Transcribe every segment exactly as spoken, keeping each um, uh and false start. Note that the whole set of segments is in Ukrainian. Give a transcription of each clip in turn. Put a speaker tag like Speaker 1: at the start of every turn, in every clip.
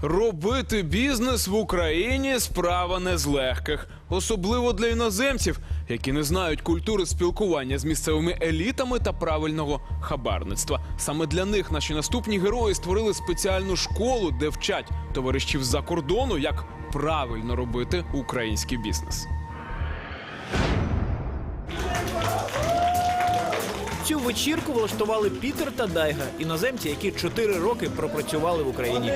Speaker 1: Робити бізнес в Україні – справа не з легких. Особливо для іноземців, які не знають культури спілкування з місцевими елітами та правильного хабарництва. Саме для них наші наступні герої створили спеціальну школу, де вчать товаришів з-за кордону, як правильно робити український бізнес.
Speaker 2: Цю вечірку влаштували Пітер та Дайга, іноземці, які чотири роки пропрацювали в Україні.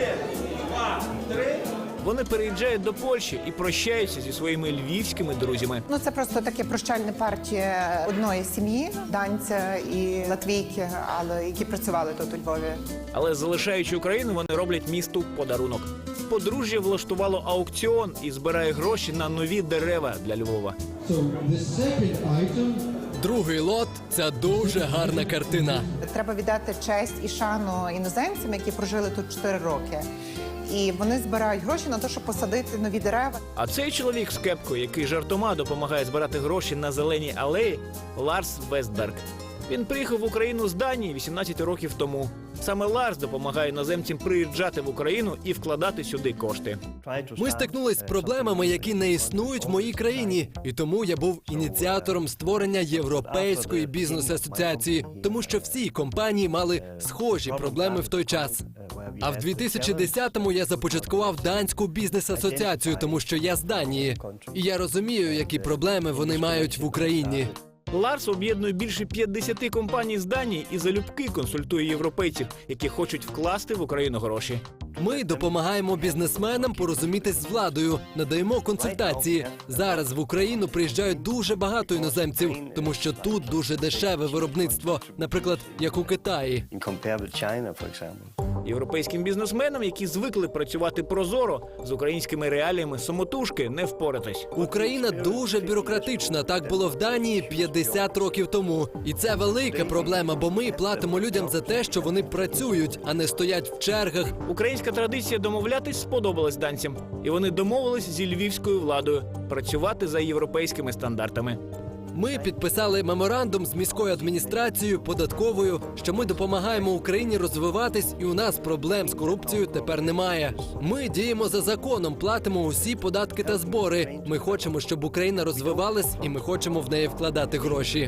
Speaker 2: Вони переїжджають до Польщі і прощаються зі своїми львівськими друзями.
Speaker 3: Ну, це просто таке прощальне партія одної сім'ї, данця і латвійки, але які працювали тут у Львові.
Speaker 2: Але залишаючи Україну, вони роблять місту подарунок. Подружжя влаштувало аукціон і збирає гроші на нові дерева для Львова.
Speaker 4: Другий лот – це дуже гарна картина.
Speaker 3: Треба віддати честь і шану іноземцям, які прожили тут чотири роки. І вони збирають гроші на те, щоб посадити нові дерева.
Speaker 2: А цей чоловік з кепкою, який жартома допомагає збирати гроші на зеленій алеї – Ларс Вестберг. Він приїхав в Україну з Данії вісімнадцять років тому. Саме Ларс допомагає іноземцям приїжджати в Україну і вкладати сюди кошти.
Speaker 4: Ми стикнулись з проблемами, які не існують в моїй країні. І тому я був ініціатором створення Європейської бізнес-асоціації, тому що всі компанії мали схожі проблеми в той час. А в дві тисячі десятому я започаткував Данську бізнес-асоціацію, тому що я з Данії. І я розумію, які проблеми вони мають в Україні.
Speaker 2: Ларс об'єднує більше п'ятдесят компаній з Данії і залюбки консультує європейців, які хочуть вкласти в Україну гроші.
Speaker 4: Ми допомагаємо бізнесменам порозумітись з владою, надаємо консультації. Зараз в Україну приїжджають дуже багато іноземців, тому що тут дуже дешеве виробництво, наприклад, як у Китаї.
Speaker 2: Європейським бізнесменам, які звикли працювати прозоро, з українськими реаліями самотужки не впоратись.
Speaker 4: Україна дуже бюрократична, так було в Данії п'ятдесят років тому. І це велика проблема, бо ми платимо людям за те, що вони працюють, а не стоять в чергах.
Speaker 2: Українська традиція домовлятись сподобалась данцям. І вони домовились зі львівською владою працювати за європейськими стандартами.
Speaker 4: Ми підписали меморандум з міською адміністрацією, податковою, що ми допомагаємо Україні розвиватись, і у нас проблем з корупцією тепер немає. Ми діємо за законом, платимо усі податки та збори. Ми хочемо, щоб Україна розвивалась, і ми хочемо в неї вкладати гроші.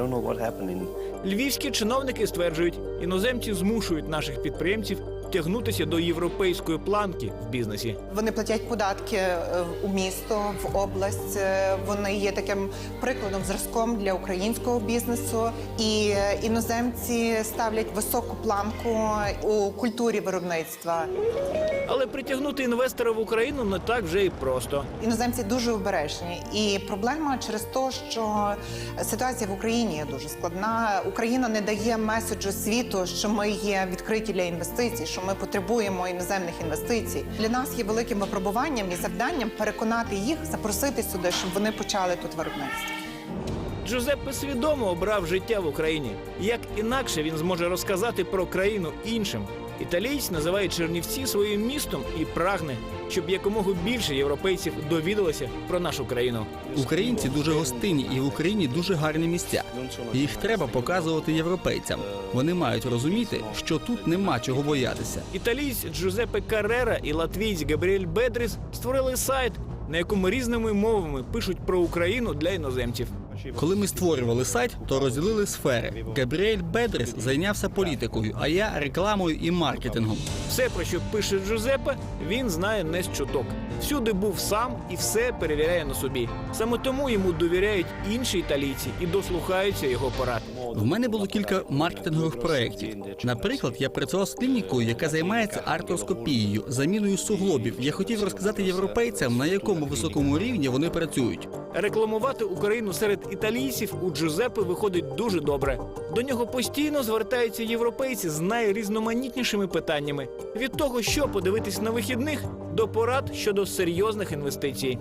Speaker 2: Львівські чиновники стверджують, іноземці змушують наших підприємців тягнутися до європейської планки в бізнесі.
Speaker 3: Вони платять податки у місто, в область. Вони є таким прикладом, зразком для українського бізнесу. І іноземці ставлять високу планку у культурі виробництва.
Speaker 2: Але притягнути інвестора в Україну не так вже і просто.
Speaker 3: Іноземці дуже обережні. І проблема через те, що ситуація в Україні є дуже складна. Україна не дає меседжу світу, що ми є відкриті для інвестицій, що ми потребуємо іноземних інвестицій. Для нас є великим випробуванням і завданням переконати їх, запросити сюди, щоб вони почали тут виробництво.
Speaker 2: Джузеппе свідомо обрав життя в Україні. Як інакше він зможе розказати про країну іншим? Італієць називає Чернівці своїм містом і прагне, щоб якомога більше європейців довідалося про нашу країну.
Speaker 5: Українці дуже гостинні і в Україні дуже гарні місця. Їх треба показувати європейцям. Вони мають розуміти, що тут нема чого боятися.
Speaker 2: Італієць Джузеппе Каррера і латвійць Габріель Бедріс створили сайт, на якому різними мовами пишуть про Україну для іноземців.
Speaker 5: Коли ми створювали сайт, то розділили сфери. Габріель Бедріс зайнявся політикою, а я рекламою і маркетингом.
Speaker 2: Все, про що пише Джузеппе, він знає не з чуток. Всюди був сам і все перевіряє на собі. Саме тому йому довіряють інші італійці і дослухаються його порад.
Speaker 5: В мене було кілька маркетингових проєктів. Наприклад, я працював з клінікою, яка займається артроскопією, заміною суглобів. Я хотів розказати європейцям, на якому високому рівні вони працюють.
Speaker 2: Рекламувати Україну серед італійців у Джузеппе виходить дуже добре. До нього постійно звертаються європейці з найрізноманітнішими питаннями. Від того, що подивитись на вихідних, до порад щодо серйозних інвестицій.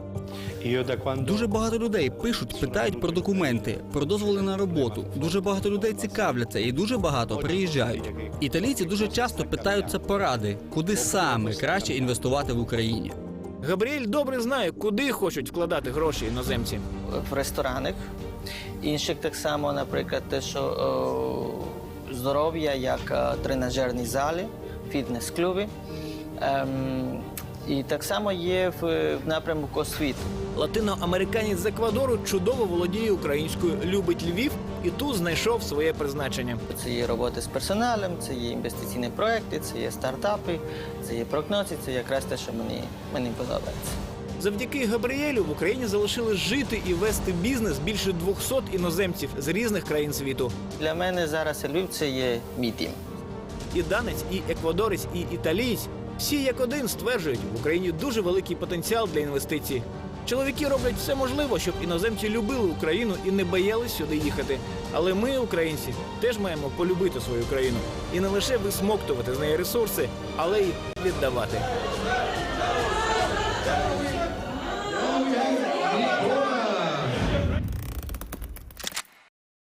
Speaker 5: Дуже багато людей пишуть, питають про документи, про дозволи на роботу. Дуже багато людей цікавляться і дуже багато приїжджають. Італійці дуже часто питаються поради, куди саме краще інвестувати в Україні.
Speaker 2: Габріель добре знає, куди хочуть вкладати гроші іноземці.
Speaker 6: В ресторанах, інших так само, наприклад, те, що о, здоров'я, як тренажерні зали, фітнес-клуби, Ем, і так само є в, в напрямку освіти.
Speaker 2: Латиноамериканець з Еквадору чудово володіє українською, любить Львів і тут знайшов своє призначення.
Speaker 6: Це є роботи з персоналем, це є інвестиційні проекти, це є стартапи, це є прогнози, це якраз те, що мені, мені подобається.
Speaker 2: Завдяки Габріелю в Україні залишили жити і вести бізнес більше двохсот іноземців з різних країн світу.
Speaker 6: Для мене зараз Львів – це є мій дім.
Speaker 2: І данець, і еквадорець, і італієць всі як один стверджують, в Україні дуже великий потенціал для інвестицій. Чоловіки роблять все можливе, щоб іноземці любили Україну і не боялись сюди їхати. Але ми, українці, теж маємо полюбити свою країну. І не лише висмоктувати з неї ресурси, але й віддавати.